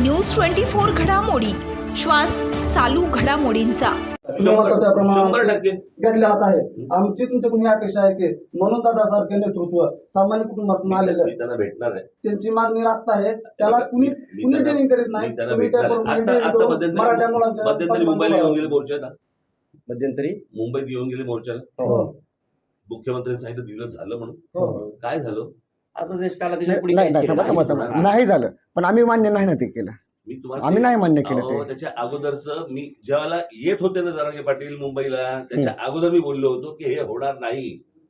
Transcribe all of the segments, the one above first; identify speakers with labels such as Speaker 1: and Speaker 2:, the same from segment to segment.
Speaker 1: News 24 घडामोडी, श्वास चालू घडामोडींचा.
Speaker 2: महत्वाच्या प्रमाणात
Speaker 3: 100%
Speaker 2: घेतले जात आहे. आमची तुमच्याकडून ही अपेक्षा आहे की म्हणून दादासारखे नेतृत्व सामान्य कुटुंबातून आलेलं
Speaker 3: मी त्यांना भेटणार आहे.
Speaker 2: त्यांची मागणी रास्त आहे. त्याला कुणी ट्रेनिंग करीत नाही.
Speaker 3: मी त्यांना
Speaker 2: तुम्ही
Speaker 3: भेटणार
Speaker 2: त्याप्रमाणे
Speaker 3: आहे.
Speaker 2: training
Speaker 3: आता
Speaker 2: करून
Speaker 3: मध्यंतरी
Speaker 2: मराठा मुलांच्या
Speaker 3: मध्यंतरी मुंबईला येऊन गेले मोर्चाला.
Speaker 4: मध्यंतरी
Speaker 3: मुंबईत येऊन गेले मोर्चाला.
Speaker 2: हो.
Speaker 3: मुख्यमंत्र्यांनी सांगितलं दिलं झालं म्हणून.
Speaker 2: हो.
Speaker 3: काय झालं?
Speaker 4: आता देश काला त्याच्या पुढे
Speaker 5: नाही
Speaker 4: काहीच
Speaker 5: नाही
Speaker 4: केलं
Speaker 5: थांबा,
Speaker 4: नाही.
Speaker 5: थांबा. नाही झालं पण आम्ही मान्य नाही ना ते केलं.
Speaker 3: मी तुम्हाला
Speaker 5: आम्ही नाही मान्य केलं
Speaker 3: अहो,
Speaker 5: ते.
Speaker 3: त्याच्या अगोदरच मी जेव्हा येत होते ना जरांगे पाटील मुंबईला, त्याच्या अगोदर मी बोललो होतो की हे होणार नाही.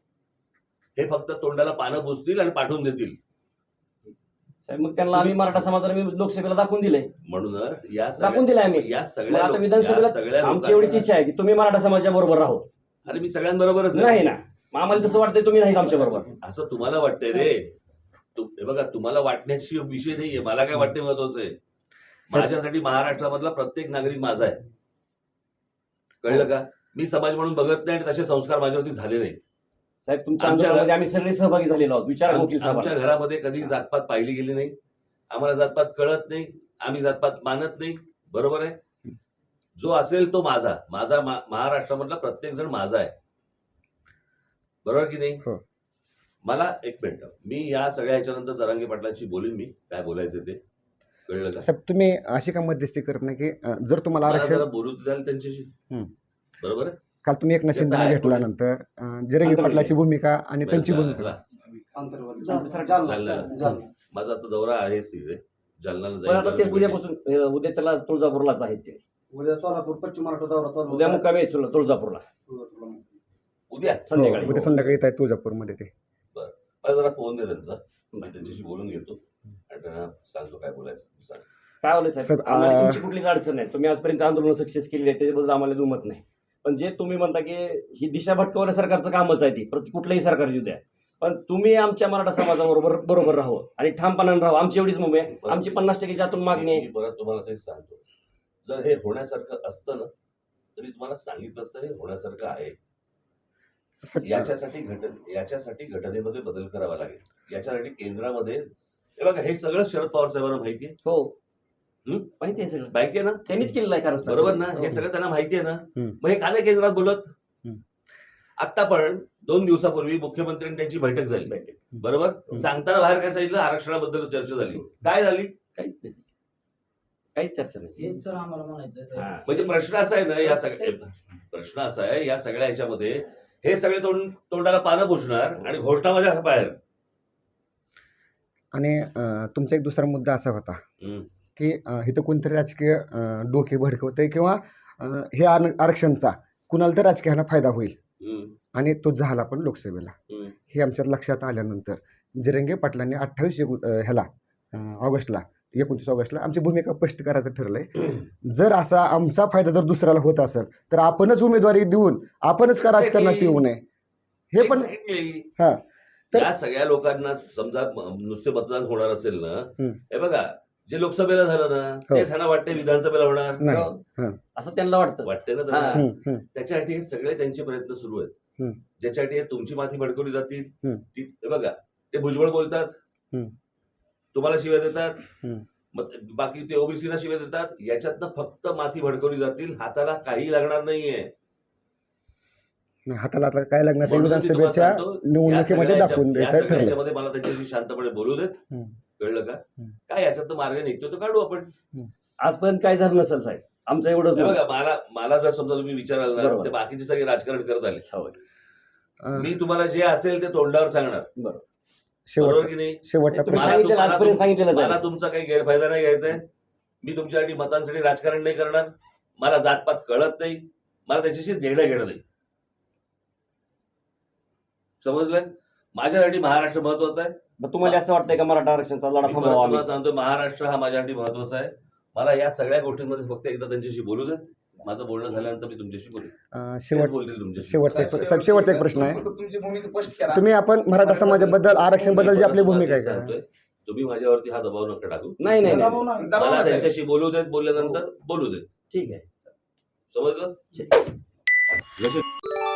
Speaker 3: हे फक्त तोंडाला पानं पुसतील आणि पाठवून देतील.
Speaker 4: साहेब, मग त्यांना आम्ही मराठा समाजाला मी लोकसभेला दाखवून दिलंय.
Speaker 3: म्हणूनच या
Speaker 4: दाखवून दिलंय आम्ही.
Speaker 3: या
Speaker 4: मग
Speaker 3: सगळ्या
Speaker 4: आता
Speaker 3: लोक- या
Speaker 4: विधानसभेला
Speaker 3: सगळ्या
Speaker 4: आमची एवढीच
Speaker 3: लोकांना-
Speaker 4: इच्छा आहे की तुम्ही मराठा समाजाच्या बरोबर राहो.
Speaker 3: अरे मी सगळ्यांबरोबरच आहे.
Speaker 4: नाही ना, मग आम्हाला तसं वाटतंय तुम्ही नाही आमच्या बरोबर.
Speaker 3: असं तुम्हाला वाटतंय रे. हे बघा, तुम्हाला वाटण्याची विषय नाहीये. मला काय वाटणे महत्वाचं आहे. माझ्यासाठी महाराष्ट्रामधला प्रत्येक नागरिक माझा आहे. कळलं का? मी समाज म्हणून बघत नाही आणि तसे संस्कार माझ्यावरती झाले नाहीत.
Speaker 4: साहेब, तुमच्या
Speaker 3: आमच्या
Speaker 4: आंदोलनामध्ये आम्ही सगळे सहभागी झालेलो आहोत. विचार वकील
Speaker 3: आमच्या
Speaker 4: साहेब.
Speaker 3: घरामध्ये कधी जातपात पाहिली गेली नाही. आम्हाला जातपात कळत नाही. आम्ही जातपात मानत नाही. बरोबर आहे. जो असेल तो माझा. माझा महाराष्ट्रामधला प्रत्येक जण माझा आहे. बरोबर की नाही?
Speaker 5: हो.
Speaker 3: मला एक मिनिट, मी या सगळ्या ह्याच्यानंतर जरांगे पाटलांशी बोलीन. मी काय बोलायचं ते. कळलं का?
Speaker 5: साहेब तुम्ही अशी का मध्यस्थी करत नाही की जर तुम्हाला
Speaker 3: मला
Speaker 5: आरक्षण
Speaker 3: जरा बोलू द्याल त्यांच्याशी.
Speaker 5: हम्म.
Speaker 3: बरोबर आहे.
Speaker 5: काल तुम्ही एकनाथ शिंदेना
Speaker 3: आहे.
Speaker 5: घेतल्यानंतर जिरंगी पाटलाची भूमिका आणि त्यांची भूमिका
Speaker 3: चला.
Speaker 2: आंतरवर्ग.
Speaker 3: जालना. माझा आता दौरा आहेच तिथे. जालन्याला
Speaker 4: पण आता ते
Speaker 3: जाईल.
Speaker 4: उद्यापासून उद्याच्याला तुळजापूरलाच आहेत ते.
Speaker 2: उद्या सोलापूर पश्चिम महाराष्ट्र दौरा चालू
Speaker 4: उद्या
Speaker 2: होता.
Speaker 4: मुक्कामी आहे तुळजापूरला
Speaker 3: उद्या
Speaker 4: संध्याकाळी.
Speaker 5: उद्या संध्याकाळी येत आहे तुळजापूरमध्ये ते.
Speaker 3: मला जरा फोन दे त्यांचा. मी त्यांच्याशी बोलून घेतो आणि त्यांना सांगतो काय बोलायचं. सांग.
Speaker 4: काय होलं साहेब,
Speaker 5: साहेब,
Speaker 4: आम्हाला तुमची कुठलीच अडचण नाही. तुम्ही आजपर्यंत आंदोलन सक्सेस केली आहे त्याच्याबद्दल आम्हाला दुमत नाही. पण जे तुम्ही म्हणता की ही दिशा भटकवण्या सरकारचं कामच आहे ती, कुठलंही सरकार येऊ द्या, पण तुम्ही आमच्या मराठा समाजाबरोबर बरोबर राहू आणि ठामपणाने राहू. आमची एवढीच मुंबई आहे. आमची 50%च्या आतून मागणी आहे.
Speaker 3: मी परत तुम्हाला तेच सांगतो. जर हे होण्यासारखं असतं ना तरी तुम्हाला सांगितलं असतं हे होण्यासारखं आहे. याच्यासाठी घटनेमध्ये बदल करावा लागेल. याच्यासाठी केंद्रामध्ये हे बघा, हे सगळं शरद पवार साहेबांना माहिती आहे.
Speaker 4: हो, माहिती आहे सगळं.
Speaker 3: माहिती आहे ना?
Speaker 4: त्यांनीच केलेलं आहे कारण
Speaker 3: बरोबर ना? हे सगळं त्यांना माहिती आहे ना?
Speaker 5: हम्म.
Speaker 3: मग हे का नाही केंद्रात बोलत?
Speaker 5: हम्म.
Speaker 3: आता पण 2 दिवसापूर्वी मुख्यमंत्र्यांनी त्यांची बैठक झाली. बरोबर. सांगताना बाहेर काय सांगितलं? आरक्षणाबद्दल चर्चा झाली. काय झाली?
Speaker 4: काहीच नाही, काहीच चर्चा नाही.
Speaker 2: हेच सर आम्हाला म्हणायचं
Speaker 4: हा.
Speaker 3: म्हणजे प्रश्न असा आहे ना, या सगळ्या ह्याच्यामध्ये हे सगळे तोंडाला पानं पुसणार आणि घोषणा माझ्या बाहेर.
Speaker 5: आणि तुमचा एक दुसरा मुद्दा असा होता की इथं कोणतरी राजकीय डोके भडकवतंय किंवा हे आरक्षणचा कुणाला तर राजकीयाला फायदा होईल आणि तो झाला पण लोकसभेला. हे आमच्या लक्षात आल्यानंतर जिरंगे पाटलांनी 29 ऑगस्टला आमची भूमिका स्पष्ट करायचं ठरलंय. जर असा आमचा फायदा जर दुसऱ्याला होत असेल तर आपणच उमेदवारी देऊन आपणच का राजकारणात येऊ नये हे पण. हा, तर
Speaker 3: या सगळ्या लोकांना समजा नुसते मतदान होणार असेल ना, हे बघा जे लोकसभेला झालं ना तेच ह्यांना वाटते विधानसभेला होणार
Speaker 5: नाही.
Speaker 4: असं त्यांना वाटतं.
Speaker 3: वाटते ना
Speaker 4: हा.
Speaker 3: त्यांना. त्याच्यासाठी हे सगळे त्यांचे प्रयत्न सुरू आहेत. ज्याच्यासाठी हे तुमची माती भडकवली जातील. हे बघा, ते भुजबळ बोलतात, तुम्हाला शिव्या देतात, बाकी ते ओबीसीला शिव्या देतात. याच्यातनं फक्त माती भडकवली जातील. हाताला काही लागणार नाहीये.
Speaker 5: हाताला आता काय लागणार ते
Speaker 3: म्हणून मी तुम्हाला
Speaker 5: विधानसभेच्या
Speaker 3: सांगतो,
Speaker 5: निवडणुकीमध्ये दाखवून
Speaker 3: या
Speaker 5: द्यायचं
Speaker 3: सगळ्या
Speaker 5: ठरलं.
Speaker 3: ह्याच्यामध्ये मला त्यांच्याशी शांतपणे बोलू देत. कळलं का? काय याच्यात मार्ग निघतो तो काढू आपण.
Speaker 4: आजपर्यंत काय झालं नसेल साहेब, आमचं एवढंच
Speaker 3: हे
Speaker 4: मत.
Speaker 3: बघा, मला जर समजा तुम्ही विचाराल ना,
Speaker 4: बरोबर.
Speaker 3: ते बाकीचे सगळे राजकारण करत आले.
Speaker 4: होय.
Speaker 3: मी तुम्हाला जे असेल ते तोंडावर सांगणार.
Speaker 4: बरोबर.
Speaker 3: बरोबर की नाही?
Speaker 5: शेवटचा
Speaker 4: तुम्ही
Speaker 5: प्रश्न.
Speaker 4: सांगितलेलं आजपर्यंत सांगितलेलं
Speaker 3: मला
Speaker 4: जाईल.
Speaker 3: तुमचा काही गैरफायदा नाही घ्यायचा आहे. मी तुमच्यासाठी मतांसाठी राजकारण नाही करणार. मला जातपात कळत नाही. मला त्याच्याशी देणं घेणं नाही. समजलं? माझ्यासाठी महाराष्ट्र महत्वाचा आहे.
Speaker 4: मग तुम्हाला असं वाटतंय का मराठा आरक्षणाचा लढा
Speaker 3: मी
Speaker 4: थांबवावा आम्ही?
Speaker 3: तुम्हाला सांगतो, महाराष्ट्र हा माझ्यासाठी महत्वाचा आहे. मला या सगळ्या गोष्टींमध्ये फक्त एकदा त्यांच्याशी बोलू देत. माझं बोलणं झाल्यानंतर मी तुमच्याशी बोलेन. बोलतील तुमच्याशी.
Speaker 5: शेवटचा एक प्रश्न आहे.
Speaker 2: तुमची भूमिका स्पष्ट करा.
Speaker 5: तुम्ही आपण मराठा समाजाबद्दल आरक्षण बद्दल जी आपली भूमिका आहे का?
Speaker 3: सांगतोय, तुम्ही माझ्यावरती हा दबाव नका टाकू.
Speaker 4: नाही नाही नाही.
Speaker 2: दबाव नाही.
Speaker 3: मला त्यांच्याशी बोलू देत. बोलल्यानंतर बोलू देत.
Speaker 4: ठीक आहे.
Speaker 3: समजलं?
Speaker 4: ठीक.
Speaker 3: जसे